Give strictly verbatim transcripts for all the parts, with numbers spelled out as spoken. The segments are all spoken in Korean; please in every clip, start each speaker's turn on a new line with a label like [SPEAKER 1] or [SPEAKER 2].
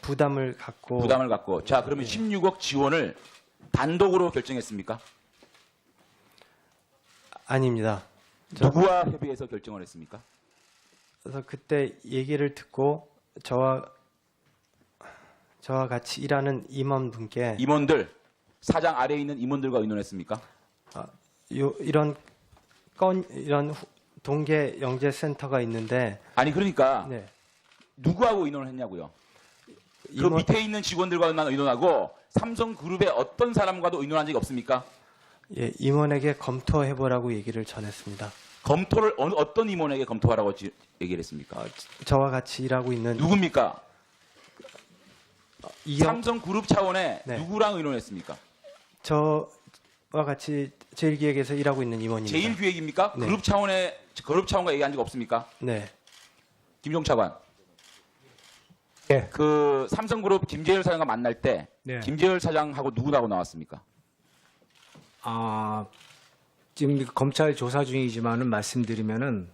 [SPEAKER 1] 부담을 갖고
[SPEAKER 2] 부담을 갖고. 자, 그러면
[SPEAKER 1] 예.
[SPEAKER 2] 십육억 지원을 단독으로 결정했습니까?
[SPEAKER 1] 아닙니다. 저-
[SPEAKER 2] 누구와 협의해서 결정을 했습니까?
[SPEAKER 1] 그래서 그때 얘기를 듣고 저와 저와 같이 일하는 임원분께
[SPEAKER 2] 임원들, 사장 아래에 있는 임원들과 의논했습니까?
[SPEAKER 1] 요, 이런 건 이런 후- 동계 영재 센터가 있는데
[SPEAKER 2] 아니 그러니까
[SPEAKER 1] 네.
[SPEAKER 2] 누구하고 의논을 했냐고요? 그
[SPEAKER 1] 임원-
[SPEAKER 2] 밑에 있는 직원들과만 의논하고 삼성그룹의 어떤 사람과도 의논한 적이 없습니까?
[SPEAKER 1] 예, 임원에게 검토해 보라고 얘기를 전했습니다.
[SPEAKER 2] 검토를 어느, 어떤 임원에게 검토하라고 지- 얘기를 했습니까?
[SPEAKER 1] 어, 저와 같이 일하고 있는
[SPEAKER 2] 누굽니까?
[SPEAKER 1] 이영
[SPEAKER 2] 삼성그룹 차원에
[SPEAKER 1] 네.
[SPEAKER 2] 누구랑 의논했습니까?
[SPEAKER 1] 저와 같이 제일기획에서 일하고 있는 임원입니다.
[SPEAKER 2] 제일기획입니까?
[SPEAKER 1] 네.
[SPEAKER 2] 그룹 차원에 그룹 차원과 얘기한 적 없습니까?
[SPEAKER 1] 네.
[SPEAKER 2] 김종차관.
[SPEAKER 3] 예.
[SPEAKER 2] 그 삼성그룹 김재열 사장과 만날 때
[SPEAKER 3] 네.
[SPEAKER 2] 김재열 사장하고 누구하고 나왔습니까?
[SPEAKER 3] 아, 지금 검찰 조사 중이지만은 말씀드리면은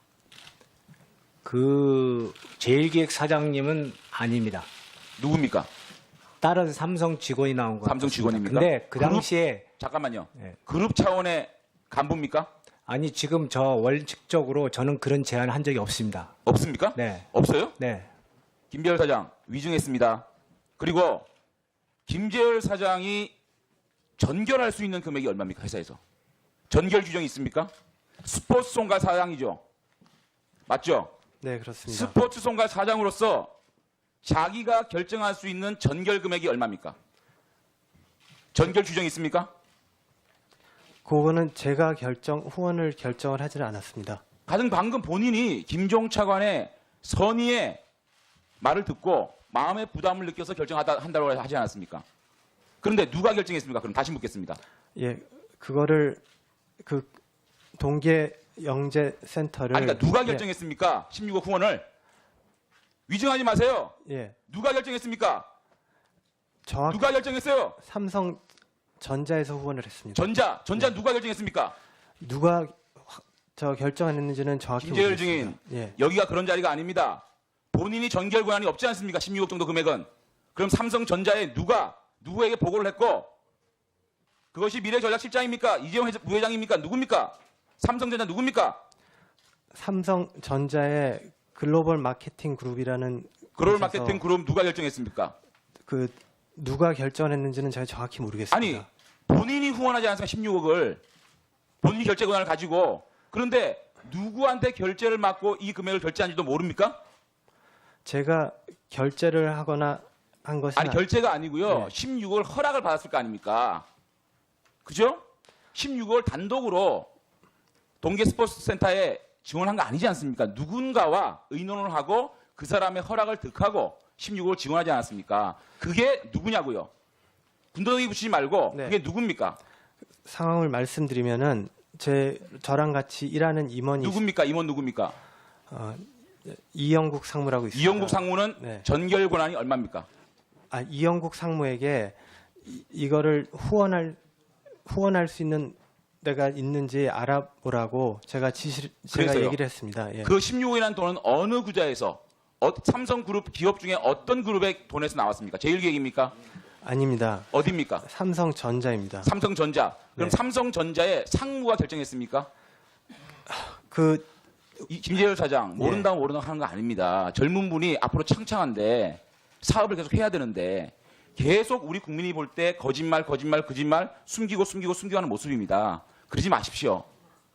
[SPEAKER 3] 그 제일기획 사장님은 아닙니다.
[SPEAKER 2] 누굽니까?
[SPEAKER 3] 다른 삼성 직원이 나온 거
[SPEAKER 2] 삼성 직원입니까?
[SPEAKER 3] 근데 그
[SPEAKER 2] 그룹?
[SPEAKER 3] 당시에
[SPEAKER 2] 잠깐만요.
[SPEAKER 3] 예.
[SPEAKER 2] 그룹 차원의 간부입니까?
[SPEAKER 3] 아니 지금 저 원칙적으로 저는 그런 제안을 한 적이 없습니다.
[SPEAKER 2] 없습니까?
[SPEAKER 3] 네,
[SPEAKER 2] 없어요?
[SPEAKER 3] 네,
[SPEAKER 2] 김재열 사장 위증했습니다. 그리고 김재열 사장이 전결할 수 있는 금액이 얼마입니까? 회사에서. 전결 규정이 있습니까? 스포츠송가 사장이죠. 맞죠?
[SPEAKER 1] 네, 그렇습니다.
[SPEAKER 2] 스포츠송가 사장으로서 자기가 결정할 수 있는 전결 금액이 얼마입니까? 전결 규정이 있습니까?
[SPEAKER 1] 그거는 제가 결정 후원을 결정을 하지 않았습니다.
[SPEAKER 2] 가장 방금 본인이 김종 차관의 선의의 말을 듣고 마음의 부담을 느껴서 결정하다 한다고 하지 않았습니까? 그런데 누가 결정했습니까? 그럼 다시 묻겠습니다.
[SPEAKER 1] 예, 그거를 그 동계 영재 센터를
[SPEAKER 2] 아니, 그러니까 누가
[SPEAKER 1] 예,
[SPEAKER 2] 결정했습니까? 십육억 후원을 위증하지 마세요.
[SPEAKER 1] 예,
[SPEAKER 2] 누가 결정했습니까?
[SPEAKER 1] 정확
[SPEAKER 2] 누가 결정했어요?
[SPEAKER 1] 삼성 전자에서 후원을 했습니다.
[SPEAKER 2] 전자, 전자 누가 결정했습니까?
[SPEAKER 1] 누가 화- 저 결정했는지는 정확히
[SPEAKER 2] 김재열
[SPEAKER 1] 모르겠습니다.
[SPEAKER 2] 증인,
[SPEAKER 1] 예,
[SPEAKER 2] 여기가 그런 자리가 아닙니다. 본인이 전결 권한이 없지 않습니까? 십육억 정도 금액은. 그럼 삼성전자에 누가 누구에게 보고를 했고 그것이 미래전략실장입니까? 이재용 회장- 부회장입니까? 누굽니까? 삼성전자 누굽니까?
[SPEAKER 1] 삼성전자의 글로벌 마케팅 그룹이라는
[SPEAKER 2] 글로벌
[SPEAKER 1] 곳에서
[SPEAKER 2] 마케팅 그룹 누가 결정했습니까?
[SPEAKER 1] 그 누가 결정했는지는 제가 정확히 모르겠습니다.
[SPEAKER 2] 아니 본인이 후원하지 않습니까? 십육억을 본인이 결제 권한을 가지고 그런데 누구한테 결제를 맡고 이 금액을 결제한지도 모릅니까?
[SPEAKER 1] 제가 결제를 하거나 한 것이
[SPEAKER 2] 아니 결제가 아니고요.
[SPEAKER 1] 네.
[SPEAKER 2] 십육억을 허락을 받았을 거 아닙니까? 그죠? 십육억을 단독으로 동계 스포츠 센터에 지원한 거 아니지 않습니까? 누군가와 의논을 하고 그 사람의 허락을 득하고 십육억을 지원하지 않았습니까? 그게 누구냐고요? 군더더기 붙이지 말고
[SPEAKER 1] 네.
[SPEAKER 2] 그게 누굽니까?
[SPEAKER 1] 상황을 말씀드리면은 제 저랑 같이 일하는 임원이
[SPEAKER 2] 누굽니까? 임원 누굽니까?
[SPEAKER 1] 어, 이영국 상무라고 있습니다.
[SPEAKER 2] 이영국 상무는
[SPEAKER 1] 네.
[SPEAKER 2] 전결 권한이 얼마입니까?
[SPEAKER 1] 아, 이영국 상무에게 이, 이거를 후원할 후원할 수 있는 데가 있는지 알아보라고 제가 지시 제가
[SPEAKER 2] 그래서요?
[SPEAKER 1] 얘기를 했습니다. 예.
[SPEAKER 2] 그 십육억이라는 돈은 어느 구좌에서 어, 삼성그룹 기업 중에 어떤 그룹의 돈에서 나왔습니까? 제일기획입니까?
[SPEAKER 1] 아닙니다.
[SPEAKER 2] 어디입니까?
[SPEAKER 1] 삼성전자입니다.
[SPEAKER 2] 삼성전자. 그럼
[SPEAKER 1] 네.
[SPEAKER 2] 삼성전자의 상무가 결정했습니까?
[SPEAKER 1] 그
[SPEAKER 2] 이 김재열 사장 모른다고 모른다고 하는 거 아닙니다. 젊은 분이 앞으로 창창한데 사업을 계속 해야 되는데 계속 우리 국민이 볼 때 거짓말 거짓말 거짓말 숨기고 숨기고 숨기고 하는 모습입니다. 그러지 마십시오.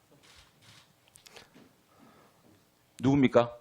[SPEAKER 2] 누굽니까?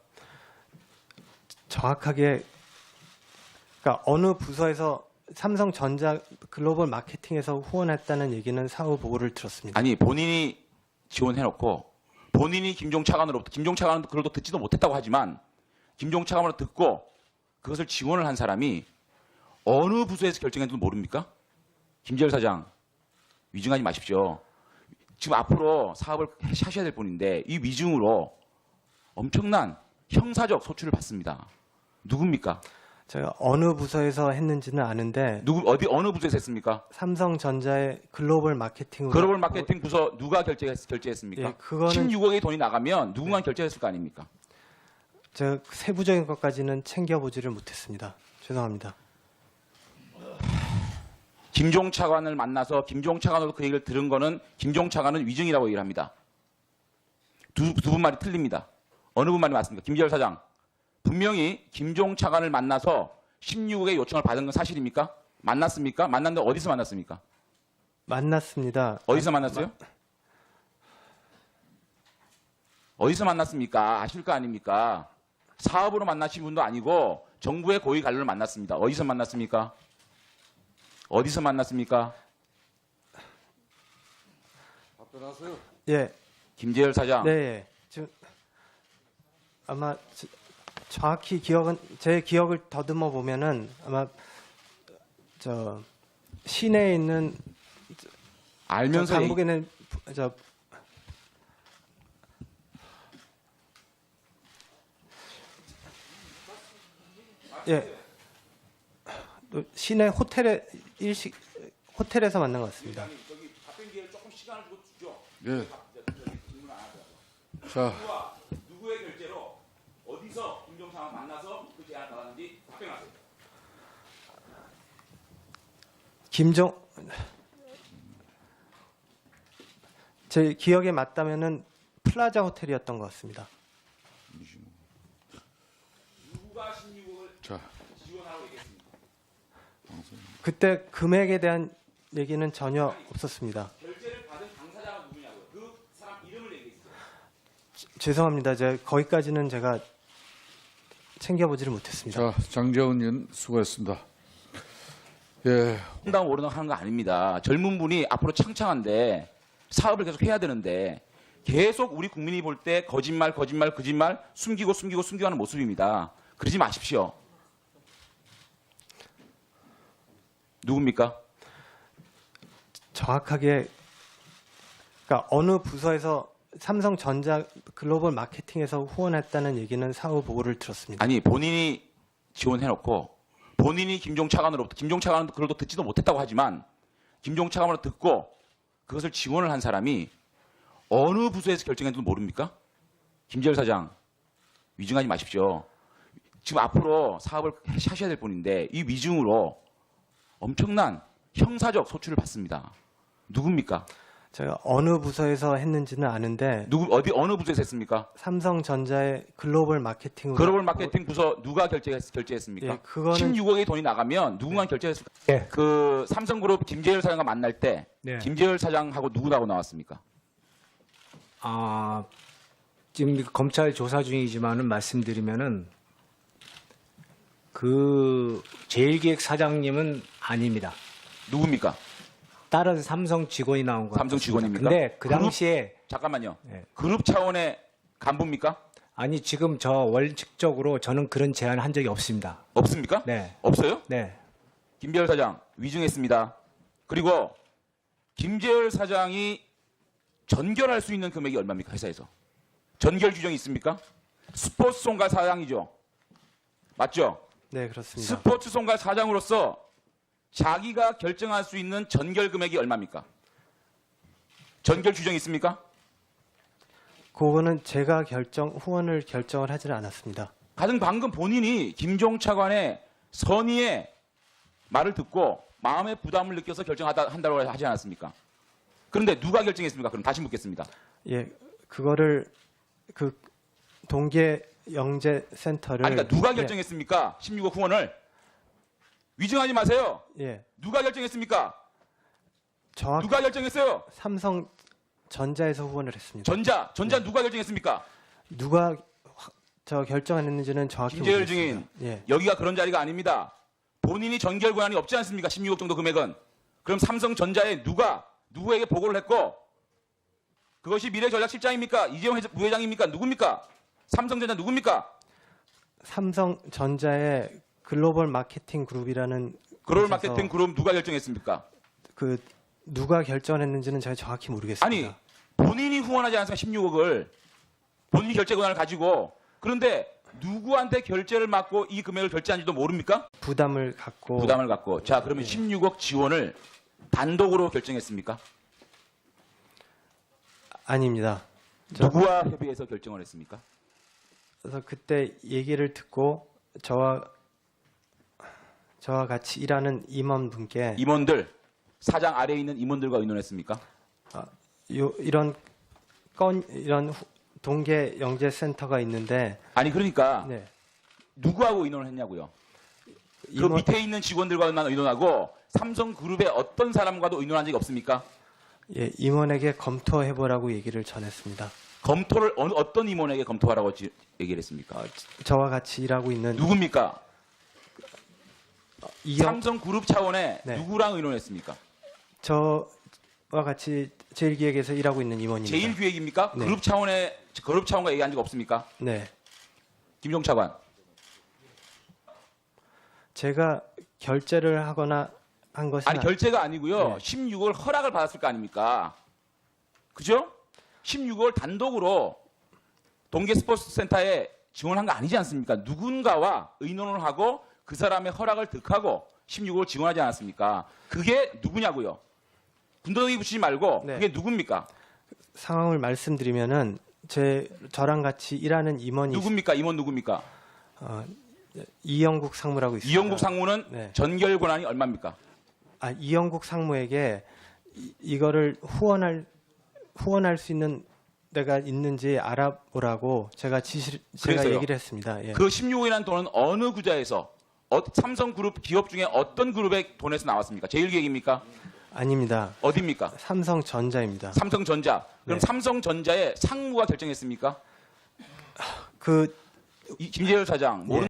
[SPEAKER 1] 정확하게 그러니까 어느 부서에서 삼성전자 글로벌 마케팅에서 후원했다는 얘기는 사후 보고를 들었습니다.
[SPEAKER 2] 아니 본인이 지원해놓고 본인이 김종 차관으로부터 김종 차관은 그걸도 듣지도 못했다고 하지만 김종 차관으로 듣고 그것을 지원을 한 사람이 어느 부서에서 결정했는지 모릅니까? 김재열 사장 위증하지 마십시오. 지금 앞으로 사업을 하셔야 될 분인데 이 위증으로 엄청난 형사적 소출을 받습니다. 누굽니까?
[SPEAKER 1] 제가 어느 부서에서 했는지는 아는데
[SPEAKER 2] 누구 어디 어느 부서에서 했습니까?
[SPEAKER 1] 삼성전자의 글로벌 마케팅으로
[SPEAKER 2] 글로벌 마케팅 부서 누가 결제했, 결제했습니까?
[SPEAKER 1] 예, 그거는
[SPEAKER 2] 십육억의 돈이 나가면 누군가 결제했을 거 아닙니까?
[SPEAKER 1] 제가 세부적인 것까지는 챙겨보지를 못했습니다. 죄송합니다.
[SPEAKER 2] 김종 차관을 만나서 김종 차관으로 그 얘기를 들은 거는 김종 차관은 위증이라고 얘기를 합니다. 두, 두 분 말이 틀립니다. 어느 분 말이 맞습니까? 김재열 사장. 분명히 김종 차관을 만나서 십육억의 요청을 받은 건 사실입니까? 만났습니까? 만났는데 어디서 만났습니까?
[SPEAKER 1] 만났습니다.
[SPEAKER 2] 어디서 만났어요? 어디서 만났습니까? 아실 거 아닙니까? 사업으로 만나신 분도 아니고 정부의 고위 관료를 만났습니다. 어디서 만났습니까? 어디서 만났습니까?
[SPEAKER 1] 예,
[SPEAKER 2] 김재열 사장.
[SPEAKER 1] 네, 예. 지금 아마 저- 정확히 기억은 제 기억을 더듬어 보면은 아마 저 시내에 있는 저
[SPEAKER 2] 알면서
[SPEAKER 1] 강북에 있는 부- 저 예. 또 시내 호텔에 일식 호텔에서 만난 것 같습니다.
[SPEAKER 2] 저기 답변 기회를 조금 시간을 주고 주죠.
[SPEAKER 4] 예.
[SPEAKER 2] 질문 안 하더라고요.
[SPEAKER 4] 자,
[SPEAKER 2] 누구와 누구의 결제로 어디서 김종 차관 만나서 그 제안을 받았는지 답변하세요.
[SPEAKER 1] 김종 제 기억에 맞다면은 플라자 호텔이었던 것 같습니다.
[SPEAKER 2] 누가 십육억을
[SPEAKER 4] 자,
[SPEAKER 2] 지원하라고 얘기했습니까?
[SPEAKER 1] 그때 금액에 대한 얘기는 전혀 없었습니다.
[SPEAKER 2] 결제를 받은 당사자가 누구냐고요? 그 사람 이름을 얘기했어요.
[SPEAKER 1] 죄송합니다. 제 거기까지는 제가 챙겨보지를 못했습니다.
[SPEAKER 4] 자, 장재훈 의원 수고했습니다. 예,
[SPEAKER 2] 홍당 오르락 하는 거 아닙니다. 젊은 분이 앞으로 창창한데 사업을 계속 해야 되는데 계속 우리 국민이 볼 때 거짓말, 거짓말, 거짓말 숨기고 숨기고 숨기고 하는 모습입니다. 그러지 마십시오. 누굽니까?
[SPEAKER 1] 정확하게 그러니까 어느 부서에서 삼성전자 글로벌 마케팅에서 후원했다는 얘기는 사후 보고를 들었습니다.
[SPEAKER 2] 아니 본인이 지원해놓고 본인이 김종 차관으로부터 김종 차관은 그걸 또 듣지도 못했다고 하지만 김종 차관으로 듣고 그것을 지원을 한 사람이 어느 부서에서 결정했는지도 모릅니까? 김재열 사장 위증하지 마십시오. 지금 앞으로 사업을 하셔야 될 분인데 이 위증으로 엄청난 형사적 소출을 받습니다. 누굽니까?
[SPEAKER 1] 제가 어느 부서에서 했는지는 아는데
[SPEAKER 2] 누구 어디 어느 부서에서 했습니까?
[SPEAKER 1] 삼성전자의 글로벌 마케팅으로
[SPEAKER 2] 글로벌 마케팅 부서 누가 결제, 결제했습니까?
[SPEAKER 1] 예, 그거는
[SPEAKER 2] 십육억의 돈이 나가면 누군가 결제했습니까?
[SPEAKER 3] 예.
[SPEAKER 2] 그 삼성그룹 김재열 사장과 만날 때
[SPEAKER 3] 네.
[SPEAKER 2] 김재열 사장하고 누구하고 나왔습니까?
[SPEAKER 3] 아, 지금 검찰 조사 중이지만은 말씀드리면은 그 제일기획 사장님은 아닙니다.
[SPEAKER 2] 누굽니까?
[SPEAKER 3] 다른 삼성 직원이 나온 거
[SPEAKER 2] 삼성 직원입니까?
[SPEAKER 3] 근데 그
[SPEAKER 2] 그룹?
[SPEAKER 3] 당시에
[SPEAKER 2] 잠깐만요.
[SPEAKER 3] 네.
[SPEAKER 2] 그룹 차원의 간부입니까?
[SPEAKER 3] 아니 지금 저 원칙적으로 저는 그런 제안을 한 적이 없습니다.
[SPEAKER 2] 없습니까?
[SPEAKER 3] 네,
[SPEAKER 2] 없어요?
[SPEAKER 3] 네.
[SPEAKER 2] 김재열 사장 위증했습니다. 그리고 김재열 사장이 전결할 수 있는 금액이 얼마입니까? 회사에서. 전결 규정이 있습니까? 스포츠 송가 사장이죠. 맞죠?
[SPEAKER 1] 네 그렇습니다.
[SPEAKER 2] 스포츠 송가 사장으로서 자기가 결정할 수 있는 전결 금액이 얼마입니까? 전결 규정이 있습니까?
[SPEAKER 1] 그거는 제가 결정 후원을 결정을 하지는 않았습니다.
[SPEAKER 2] 가장 방금 본인이 김종 차관의 선의의 말을 듣고 마음의 부담을 느껴서 결정하다 한다고 하지 않았습니까? 그런데 누가 결정했습니까? 그럼 다시 묻겠습니다.
[SPEAKER 1] 예, 그거를 그 동계 영재 센터를
[SPEAKER 2] 아니, 그러니까 누가 결정했습니까? 십육억 후원을 위증하지 마세요.
[SPEAKER 1] 예, 예,
[SPEAKER 2] 누가 결정했습니까?
[SPEAKER 1] 정확
[SPEAKER 2] 누가 결정했어요?
[SPEAKER 1] 삼성 전자에서 후원을 했습니다.
[SPEAKER 2] 전자, 전자 누가 결정했습니까?
[SPEAKER 1] 누가 화- 저 결정했는지는 정확히
[SPEAKER 2] 김재열
[SPEAKER 1] 모르겠습니다.
[SPEAKER 2] 증인,
[SPEAKER 1] 예,
[SPEAKER 2] 여기가 그런 자리가 아닙니다. 본인이 전결 권한이 없지 않습니까? 십육억 정도 금액은. 그럼 삼성전자에 누가 누구에게 보고를 했고 그것이 미래전략실장입니까? 이재용 회장- 부회장입니까? 누굽니까? 삼성전자 누굽니까?
[SPEAKER 1] 삼성전자의 글로벌 마케팅 그룹이라는
[SPEAKER 2] 글로벌
[SPEAKER 1] 곳에서
[SPEAKER 2] 마케팅 그룹 누가 결정했습니까?
[SPEAKER 1] 그 누가 결정했는지는 제가 정확히 모르겠습니다.
[SPEAKER 2] 아니 본인이 후원하지 않습니까? 십육억을 본인이 결제 권한을 가지고 그런데 누구한테 결제를 맡고 이 금액을 결제한지도 모릅니까?
[SPEAKER 1] 부담을 갖고
[SPEAKER 2] 부담을 갖고 자 그러면 십육억 지원을 단독으로 결정했습니까?
[SPEAKER 1] 아닙니다. 저-
[SPEAKER 2] 누구와 협의해서 결정을 했습니까?
[SPEAKER 1] 그래서 그때 얘기를 듣고 저와 저와 같이 일하는 임원분께
[SPEAKER 2] 임원들, 사장 아래에 있는 임원들과 의논했습니까?
[SPEAKER 1] 요, 이런 건 이런 후- 동계 영재 센터가 있는데
[SPEAKER 2] 아니 그러니까
[SPEAKER 1] 네.
[SPEAKER 2] 누구하고 의논을 했냐고요? 그
[SPEAKER 1] 임원-
[SPEAKER 2] 밑에 있는 직원들과만 의논하고 삼성그룹의 어떤 사람과도 의논한 적이 없습니까?
[SPEAKER 1] 예, 임원에게 검토해 보라고 얘기를 전했습니다.
[SPEAKER 2] 검토를 어느 어떤 임원에게 검토하라고 지- 얘기를 했습니까?
[SPEAKER 1] 어, 저와 같이 일하고 있는
[SPEAKER 2] 누굽니까?
[SPEAKER 1] 이영
[SPEAKER 2] 삼성그룹 차원에
[SPEAKER 1] 네.
[SPEAKER 2] 누구랑 의논했습니까?
[SPEAKER 1] 저와 같이 제일기획에서 일하고 있는 임원입니다.
[SPEAKER 2] 제일기획입니까?
[SPEAKER 1] 네.
[SPEAKER 2] 그룹 차원에 그룹 차원과 얘기한 적 없습니까?
[SPEAKER 1] 네,
[SPEAKER 2] 김종 차관.
[SPEAKER 1] 제가 결제를 하거나 한 것은
[SPEAKER 2] 아니 결제가 아니고요.
[SPEAKER 1] 네.
[SPEAKER 2] 십육억을 허락을 받았을 거 아닙니까? 그죠? 십육억을 단독으로 동계 스포츠 센터에 지원한 거 아니지 않습니까? 누군가와 의논을 하고 그 사람의 허락을 득하고 십육억을 지원하지 않았습니까? 그게 누구냐고요? 군더더기 붙이지 말고
[SPEAKER 1] 네.
[SPEAKER 2] 그게 누굽니까?
[SPEAKER 1] 상황을 말씀드리면은 제 저랑 같이 일하는 임원이
[SPEAKER 2] 누굽니까? 임원 누굽니까?
[SPEAKER 1] 어, 이영국 상무라고 있습니다.
[SPEAKER 2] 이영국 상무는
[SPEAKER 1] 네.
[SPEAKER 2] 전결 권한이 얼마입니까?
[SPEAKER 1] 아, 이영국 상무에게 이, 이거를 후원할 후원할 수 있는 데가 있는지 알아보라고 제가 지시 제가
[SPEAKER 2] 그래서요?
[SPEAKER 1] 얘기를 했습니다. 예.
[SPEAKER 2] 그 십육억이라는 돈은 어느 구좌에서 어, 삼성그룹 기업 중에 어떤 그룹의 돈에서 나왔습니까? 제일기획입니까?
[SPEAKER 1] 아닙니다.
[SPEAKER 2] 어디입니까?
[SPEAKER 1] 삼성전자입니다.
[SPEAKER 2] 삼성전자. 그럼
[SPEAKER 1] 네.
[SPEAKER 2] 삼성전자의 상무가 결정했습니까?
[SPEAKER 1] 그
[SPEAKER 2] 이 김재열 사장 모르는